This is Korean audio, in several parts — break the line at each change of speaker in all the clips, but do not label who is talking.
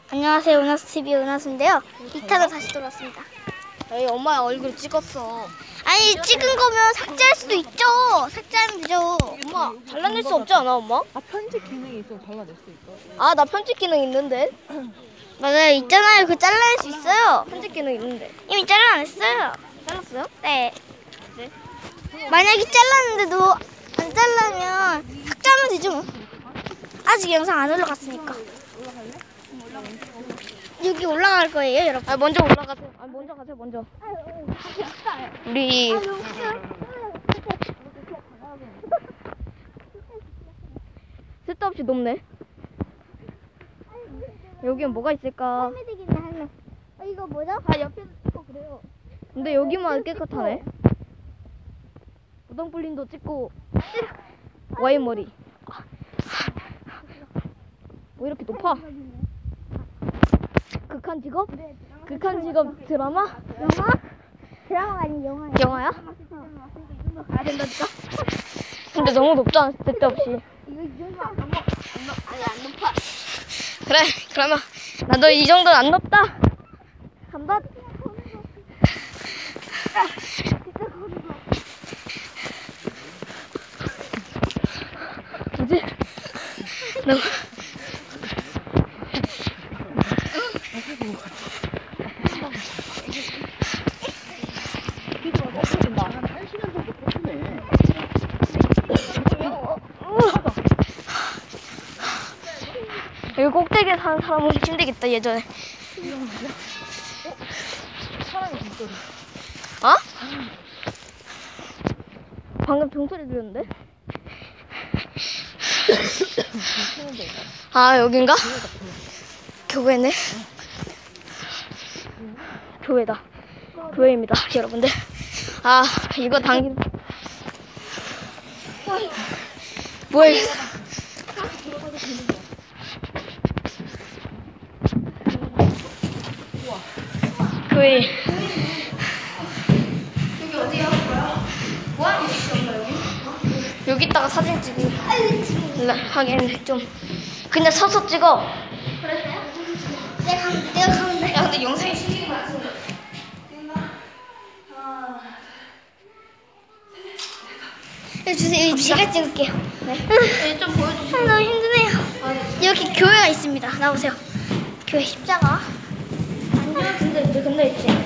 안녕하세요, 은하수TV 은하수인데요. 2탄으로 다시 돌아왔습니다.
에이, 엄마 얼굴 찍었어.
아니, 찍은 거면 삭제할 수도 있죠. 삭제하면 되죠.
엄마, 잘라낼 수 없지 않아, 엄마?
아, 편집 기능이 있어서 잘라낼 수 있어.
아, 나 편집 기능 있는데.
맞아요, 있잖아요. 그 잘라낼 수 있어요.
편집 기능 있는데.
이미 잘라냈어요.
잘랐어요?
네.
네.
만약에 잘랐는데도 안 잘라면 삭제하면 되죠, 뭐. 아직 영상 안 올라갔으니까. 여기 올라갈 거예요, 여러분.
아, 먼저 올라가세요. 아, 먼저 가세요, 먼저. 우리 쓸데없이 높네. 여기엔 뭐가 있을까?
할매되겠네, 할매. 이거 뭐죠?
아, 옆에도 찍고 그래요. 근데 여기만 깨끗하네. 우당불린도 찍고 와인머리. 뭐 이렇게 높아? 극한 직업? 극한 직업 드라마?
영화? 드라마가 아닌 영화예요.
영화야? 가야 된다니까? 근데 너무 높잖아, 쓸데없이.
이거 이 정도 안 넘어. 아니, 안 높아.
그래, 그러면 나도 이 정도는 안 높다. 간다. 뭐지? 너무 여기 꼭대기에 사는 사람은 힘들겠다, 예전에. 어? 방금 종소리 들렸는데? 아, 여긴가? 교회네. 교회다. 교회입니다, 여러분들. 아, 이거 당긴. 뭐야, 이거. 교회.
여기 어디야? 뭐 하는 짓이었나, 여기?
여기 있다가 사진 찍기 하기에는 좀 그냥 서서 찍어.
그랬어요? 내가 가면 돼.
야, 근데 영상이 신경이 많았어.
여기 주세요. 여기 제가 찍을게요.
네, 좀 보여주시죠.
너무 힘드네요. 여기 교회가 있습니다. 나오세요. 교회 십자가.
근데 있지.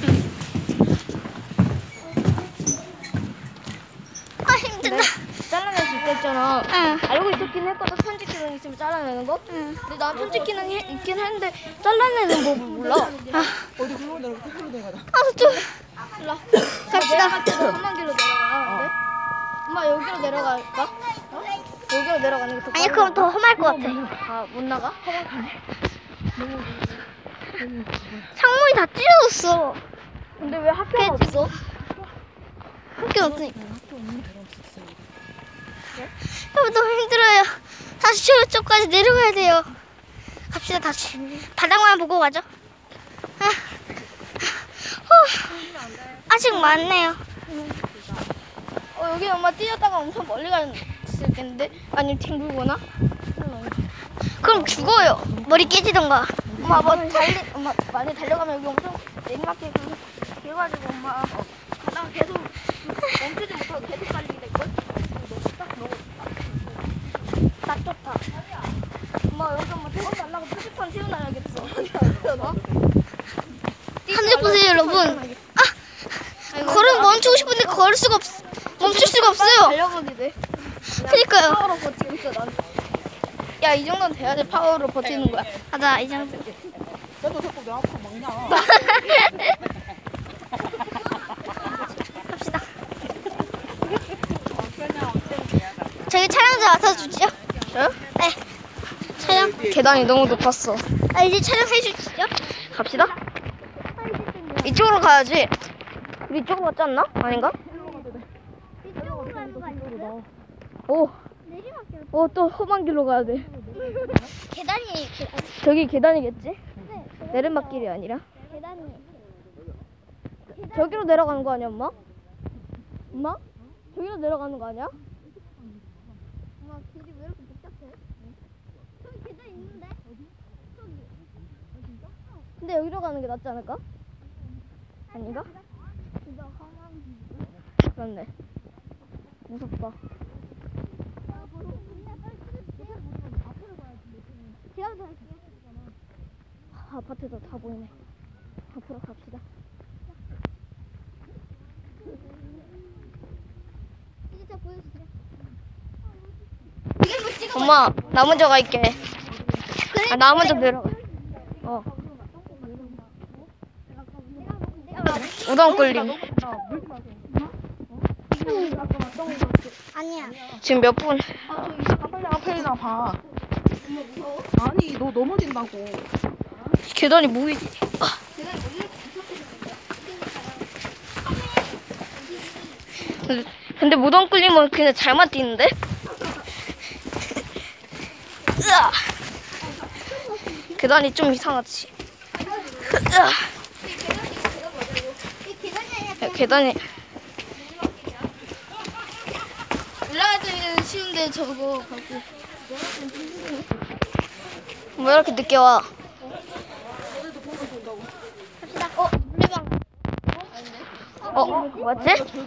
아, 힘든다.
잘라낼 수 있겠잖아.
응.
알고 있었긴 했거든, 편집 기능 있으면 잘라내는 거.
응.
근데 나 편집 기능이 있긴 했는데 잘라내는 법을 몰라.
어디 글로 내려가, 글로 내려가자.
아, 좀.
몰라.
갑시다.
험한 길로 내려가. 네? 엄마 여기로 내려갈까? 어? 여기로 내려가는 게 더
아니, 그럼 더 험할 것 같아.
아, 못 나가?
창문이 다 찢어졌어.
근데 왜 학교가 없어?
학교 없으니까. 여러분, 너무 힘들어요. 다시 저쪽까지 내려가야 돼요. 갑시다, 다시. 바닥만 보고 가죠. 아. 아직 많네요.
여기 엄마 뛰었다가 엄청 멀리 갈 수 있겠는데? 아니면 뒹굴거나?
그럼 죽어요. 머리 깨지던가.
엄마 엄마 많이 달려가면 여기 엄청 내리막길 그래가지고 엄마 가다가 계속 멈추지 못하고 계속 달리게 될걸? 딱 좋다. 엄마 여기 엄마 대박 날라고 표지판 세워놔야겠어. 어?
하늘 보세요, 여러분. 아, 걸음 멈추고 싶은데 걸을 수가 멈출 수가 없어요.
달려가게 돼.
그니까요.
파워로 버티고 있어 난. 야, 이 정도는 돼야지 파워로 버티는 거야.
맞아, 이 정도.
너도 자꾸 내 앞으로 막냐.
갑시다. 저기 촬영자 맡아주죠.
저요?
네. 촬영.
계단이 너무 높았어.
아, 이제 촬영해 주시죠.
갑시다. 이쪽으로 가야지. 우리 이쪽으로 갔지 않나? 아닌가?
이쪽으로 가는 거 아니에요?
오,
내리막길.
또 험한 길로 가야 돼.
계단이
저기 계단이겠지?
네,
내리막길이 아니라.
계단이.
저기로 내려가는 거 아니야, 엄마? 엄마? 저기로 내려가는 거 아니야?
엄마 길이 왜 이렇게 복잡해? 저기 계단 있는데? 저기.
근데 여기로 가는 게 낫지 않을까? 아닌가? 그렇네. 무섭다. 아파트도 다 보이네. 앞으로 갑시다.
엄마, 나 먼저 갈게. 아, 나 먼저 내려가. 우동 끓림.
아니야.
지금 몇 분?
빨리 앞에나 봐. 아니 너 넘어진다고.
계단이 뭐이지? 근데 무덤 끓림은 그냥 잘만 뛰는데? 으아! 계단이 좀 이상하지? 으아! 야, 계단이
올라갈 때는 쉬운데 저거 가고.
왜 이렇게 늦게 와? 뭐였지?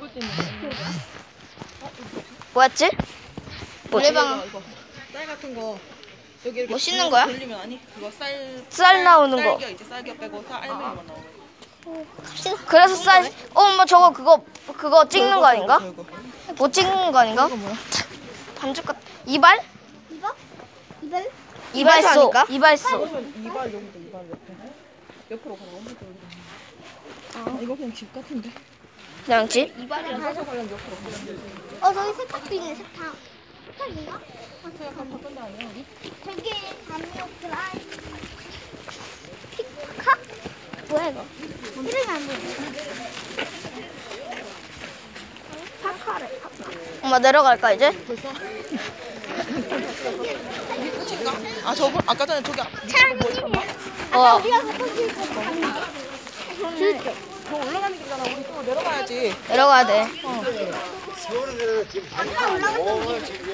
뭐였지? 뭐지?
이거 쌀 같은 거 여기 이렇게
뭐 씻는 거야?
돌리면 아니 그거
쌀 나오는 거.
쌀겨 이제 쌀겨 빼고 알맹이만 나오는 거.
그래서 쌀. 엄마 저거 그거 찍는 거 아닌가?
저거.
뭐 찍는 거 아닌가?
이거 뭐야?
반죽 같. 이발?
이발?
이발소. 이발소.
그러면 이발 여기도 이발 옆으로 가라고. 이거 그냥 집 같은데.
그냥 집?
사서 가려면 옆으로 가.
저기 세탁도 있네, 세탁. 세탁인가?
제가 간 바꾼 데 아니야 여기?
저기 담요 드라이. 피카? 뭐야 이거? 이름이 안 보여. 파카래.
엄마 내려갈까 이제?
끝인가? 아 저분 아까 전에 저기 뭐 있었나?
어.
우리가 갔던 길 가는
저 올라가는 길이잖아. 우리 또 내려가야지.
내려가야 돼.
아까 올라갔던 길.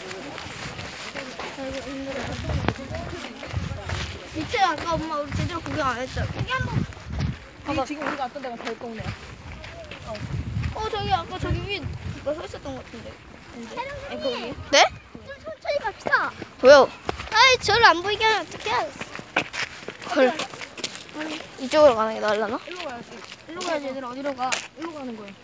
밑에 아까 엄마 우리 제대로 구경 안 했잖아. 여기 한번.
이 지금 우리가 왔던 데가 별동네.
저기 아까 저기 위에 누가 서 있었던 것 같은데. 아니 거기.
네?
좀 천천히 갑시다.
왜요?
아이 저를 안 보이게 하면 어떡해.
헐. 이쪽으로 가는 게 나을라나?
일로 가야지.
일로 가야지 얘들아. 어디로 가? 일로 가는 거야.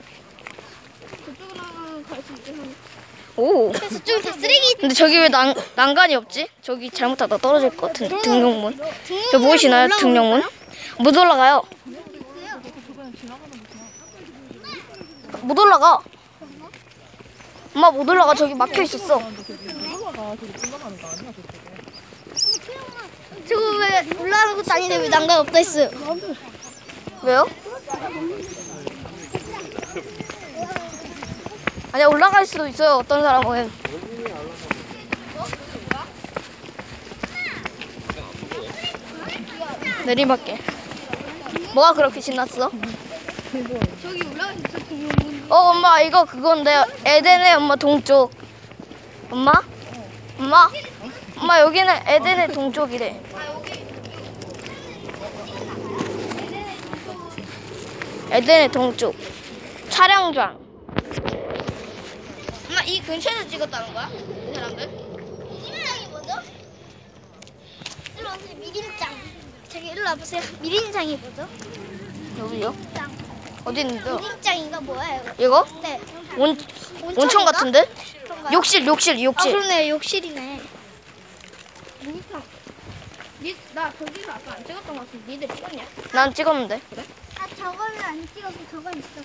저쪽으로 갈 수 있게 하면.
오.
저쪽은 다 쓰레기.
근데 저기 왜 난간이 없지? 저기 잘못하다 떨어질 것 같은데. 등용문. 저 보이시나요? 등용문? 못 올라가요. 못 올라가. 엄마 못 올라가. 저기 막혀 있었어.
올라가. 저기 올라가는 거 아니야 저쪽에.
저거 왜 올라가는 것도 아닌데 왜 난간 없다 했어요?
왜요? 아니야 올라갈 수도 있어요. 어떤 사람은. 내리막길. 뭐가 그렇게 신났어?
저기 올라갈 수 있어. 등용문.
엄마 이거 그건데 에덴의 엄마 동쪽. 엄마? 엄마? 엄마 여기는 에덴의 동쪽이래. 에덴의 동쪽. 촬영장.
엄마 이 근처에서 찍었다는 거야? 이 사람들? 미린장이 뭐죠? 일로 오세요. 미린장. 저기 일로 와보세요. 미린장이 뭐죠?
여기요?
장.
어디 있는데요?
미린장인가 뭐예요?
이거?
네.
온천 같은데?
그런가요?
욕실.
아 그러네. 욕실이네. 미니탕. 나 저기서 아까 안 찍었던 것 같은데 니들 찍었냐?
난 찍었는데.
아 저거는 안 찍었고 저건 있었어.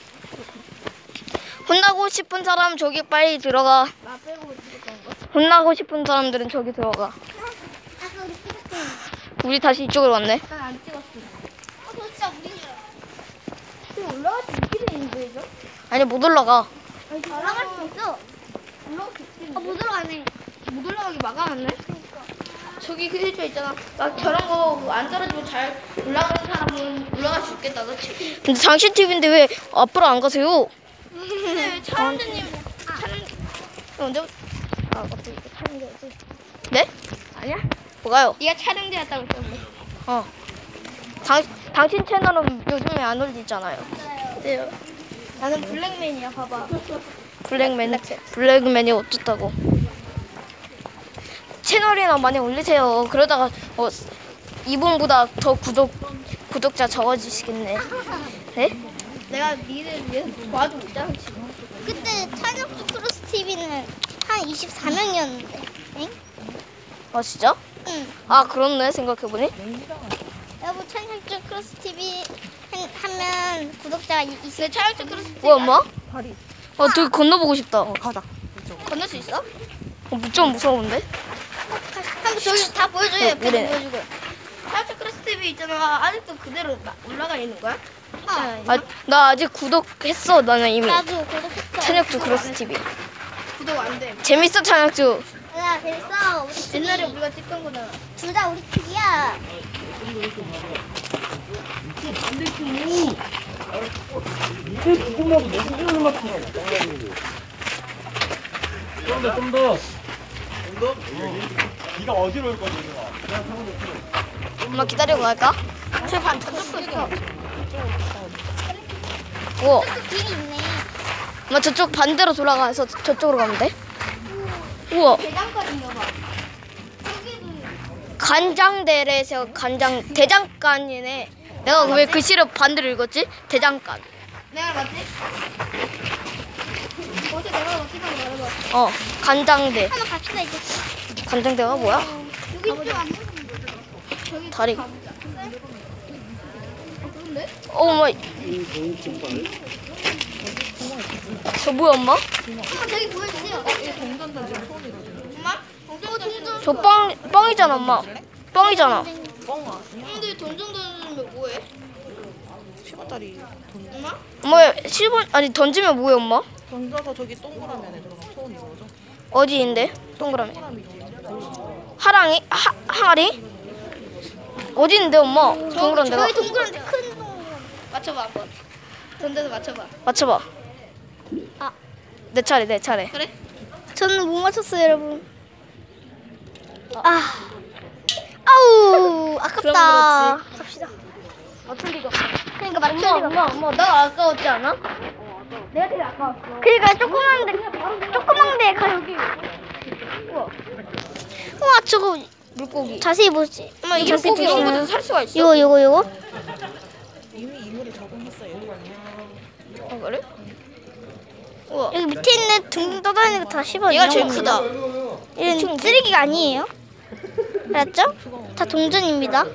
혼나고 싶은 사람 저기 빨리 들어가.
나 빼고 찍었던 거?
혼나고 싶은 사람들은 저기 들어가.
아까 우리 찍었던
우리 다시 이쪽으로 왔네.
난안 찍었어. 저 진짜 우리는. 저 올라갈 수 있게 돼 있는 거예요?
아니 못 올라가.
올라갈 수 있어. 올라갈 수 있겠는데? 못 올라가네. 못 올라가게 막아놨네.
저기 그 해줘 있잖아. 막 저런 거 안 떨어지고 잘 올라가는 사람은 올라갈 수 있겠다. 그렇지? 근데 당신 TV인데 왜 앞으로 안 가세요?
근데 촬영자님
언제? 어떻게 촬영되지? 네? 아니야? 뭐가요?
네가 촬영되었다고 했던데.
어. 당신 채널은 요즘에 안 올리잖아요.
네요. 나는 블랙맨이야. 봐봐.
블랙맨이 어떻다고? 채널이나 많이 올리세요. 그러다가 이분보다 더 구독자 적어지시겠네. 네?
내가 니를 위해서 도와주고 있잖아 지금. 그때 찬혁주 크로스 TV는 한 24명이었는데. 응?
아 진짜?
응.
아 그렇네 생각해보니.
여보 찬혁주 크로스 TV 하면 구독자가 있어. 찬혁주 크로스 TV.
뭐야 엄마?
다리.
되게 건너보고 싶다.
가자. 이쪽.
건널 수 있어?
좀 무서운데?
한번 저기 다 보여줘. 옆에도
그래.
보여주고. 찬혁주 크로스 TV 있잖아. 아직도 그대로 올라가 있는 거야?
나 아직 구독했어. 나는 이미.
나도 구독했어.
찬혁주 크로스 TV.
구독 안 돼.
재밌어 찬혁주.
야 재밌어. 우리 옛날에 우리가 찍던 거잖아. 둘 다 우리 TV야.
조금만 더 내수준을 맞추라고. 좀 더. 네가 어디로 올 거지?
엄마 기다리고 갈까?
저반 저쪽도 있어.
우와.
길이 있네.
엄마 저쪽 반대로 돌아가서 저쪽으로 가면 돼? 우와.
대장거리인가 봐. 여기도
간장대래에서 대장간이네. 내가 왜 글씨를 반대로 읽었지? 대장간.
내가 맞지? 어제 내가 맞지만 말해봐.
간장대.
한번 갑시다 이제.
간장대가 뭐야?
여기 좀 안 보이는데. 저기
다리.
그런데?
엄마. 저 뭐야 엄마?
아 저기 보여주세요.
동전단지 손으로 지금.
엄마? 동전.
저 뻥이잖아 엄마. 뻥이잖아.
뻥 와.
근데 동전 던지면 뭐해?
10원짜리 돈.
엄마?
엄마 10원 아니 던지면 뭐해 엄마?
던져서 저기 동그라미 안에 들어가 소원이 뭐죠?
어디인데? 동그라미.
동그라미지.
하랑이? 항아리? 어디인데 엄마? 동그란 데가?
저기 동그란데 큰 동전. 맞춰봐 한번. 던져서 맞춰봐.
맞춰봐.
아.
내 차례.
그래? 저는 못 맞췄어요 여러분. 아우 아깝다. 갑시다.
맞춘 리가.
그러니까 맞출 리가.
엄마 나 아까웠지 않아?
내가 제일 아까웠어. 그러니까 조그만 데 가. 여기. 우와 저거
물고기.
자세히 보지.
엄마 이
자세히
물고기
보시면.
여기서 살 수가 있어?
요거.
이미 이물에 적응했어요.
그래? 우와.
여기 밑에 있는 둥둥 떠다니는 거 다 씹어.
얘가 제일 크다.
이런 쓰레기가 아니에요. 알았죠? 다 동전입니다.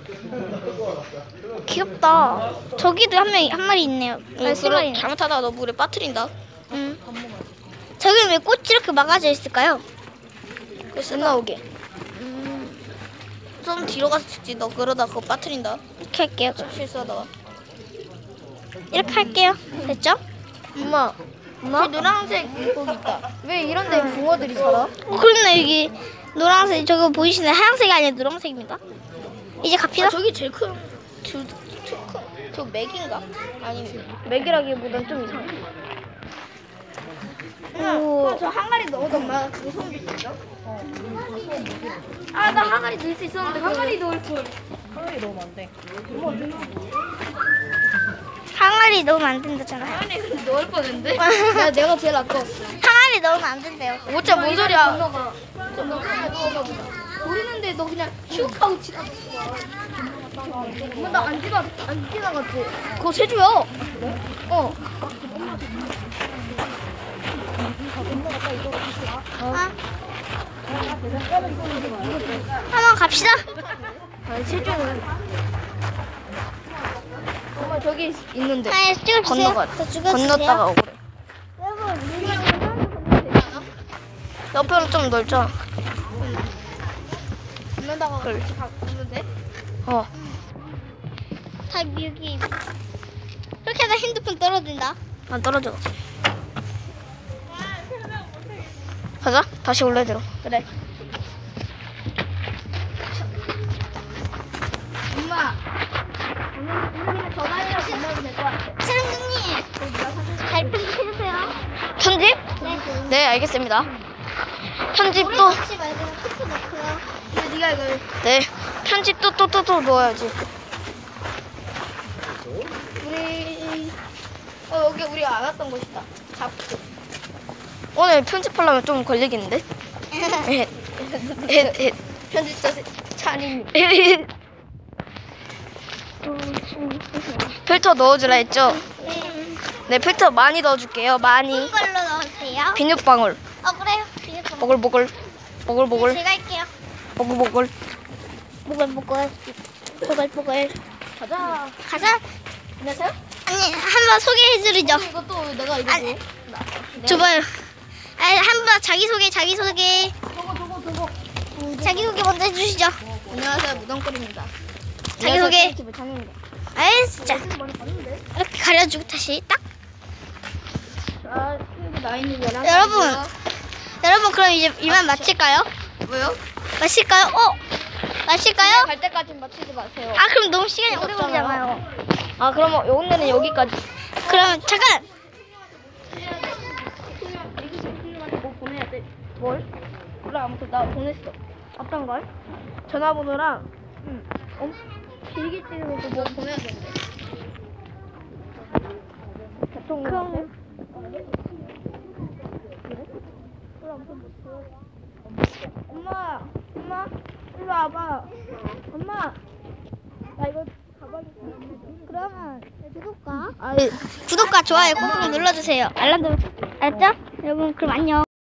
귀엽다. 저기도 한 마리 있네요. 세 마리.
잘못하다가 너 물에 빠뜨린다.
저기 왜 꽃이 이렇게 막아져 있을까요?
그래서 안 나오게. 좀 뒤로 가서 찍지. 너 그러다 그거 빠뜨린다.
이렇게 할게요.
실수하다가.
이렇게 할게요. 됐죠?
엄마. 저기 노란색 물고기 있다. 왜 이런 데 붕어들이 살아?
그렇네 여기 노란색 저거 보이시나요? 하얀색이 아니라 노란색입니다. 이제 갑시다.
저기 제일 큰. 저 맥인가? 아니 맥이라기보단 좀 이상해.
오.
저 항아리 넣어도 엄마 그거 소금 줄수 있어? 아 나 항아리 넣을 수 있었는데 항아리 넣을 걸.
하늘이 너무 안 돼.
항아리 넣으면 안 된다잖아요.
항아리 근데 넣을 뻔했는데. 내가 제일 아까웠어.
항아리 넣으면 안 된대요.
오짜 뭔 소리야? 모르는데 너 그냥 슉 하고 지나갔어. 엄마 나 안 지나갔지? 그거 세주야.
한번 갑시다.
아니 세주는. 엄마 저기 있는데.
아니 찍어주세요.
건너가.
저 죽여주세요.
건넜다가 오래.
여러분
옆으로 좀 넓자.
건너다가
그래.
갔는데 다 여기 그렇게 하다 핸드폰 떨어진다.
안 떨어져. 가자. 다시 올라야 들어.
그래.
엄마. 오늘 전화해서 건너면 될 것 같아.
촬영장님 잘 편집해주세요.
편집? 네, 알겠습니다. 편집도
혹시 말고 스프 넣고요.
네가 이걸 네 편집도 또 넣어야지. 우리 여기 우리 안 왔던 곳이다. 잡고. 오늘 편집하려면 좀 걸리겠는데? 편집자 찬임. 필터 넣어주라 했죠? 네, 필터 많이 넣어줄게요. 많이.
걸로 넣으세요.
비눗방울.
그래요.
보글보글. 보글보글.
제가 할게요.
보글보글.
보글보글. 보글보글.
가자.
가자.
안녕하세요?
아니, 한번 소개해드리죠.
이것도 내가 이거
아니, 줘봐요. 한번 자기소개. 자기소개 먼저 해주시죠.
안녕하세요. 무덤거리입니다.
자기소개.
장입니다.
아이, 진짜. 이렇게 가려주고 다시 딱.
자, 나인이랑
여러분, 그럼 이제 이만 마칠까요?
뭐요?
마실까요? 마실까요?
갈 때까지 맞추지 마세요.
아, 그럼 너무 시간이 오래
무섭잖아요.
걸리잖아요.
아, 그러면 오늘은 여기까지.
그럼 잠깐.
뭐 보내야 돼? 뭘? 몰라. 아무튼 나 보냈어. 어떤 걸? 전화번호랑 필기증으로 뭐 보내야 되는데.
그럼
엄마, 일로 와봐. 엄마, 나 이거 가방에.
그러면 구독과
아이.
좋아요 꾹꾹 눌러주세요. 알람도 알았죠? 여러분 그럼 안녕.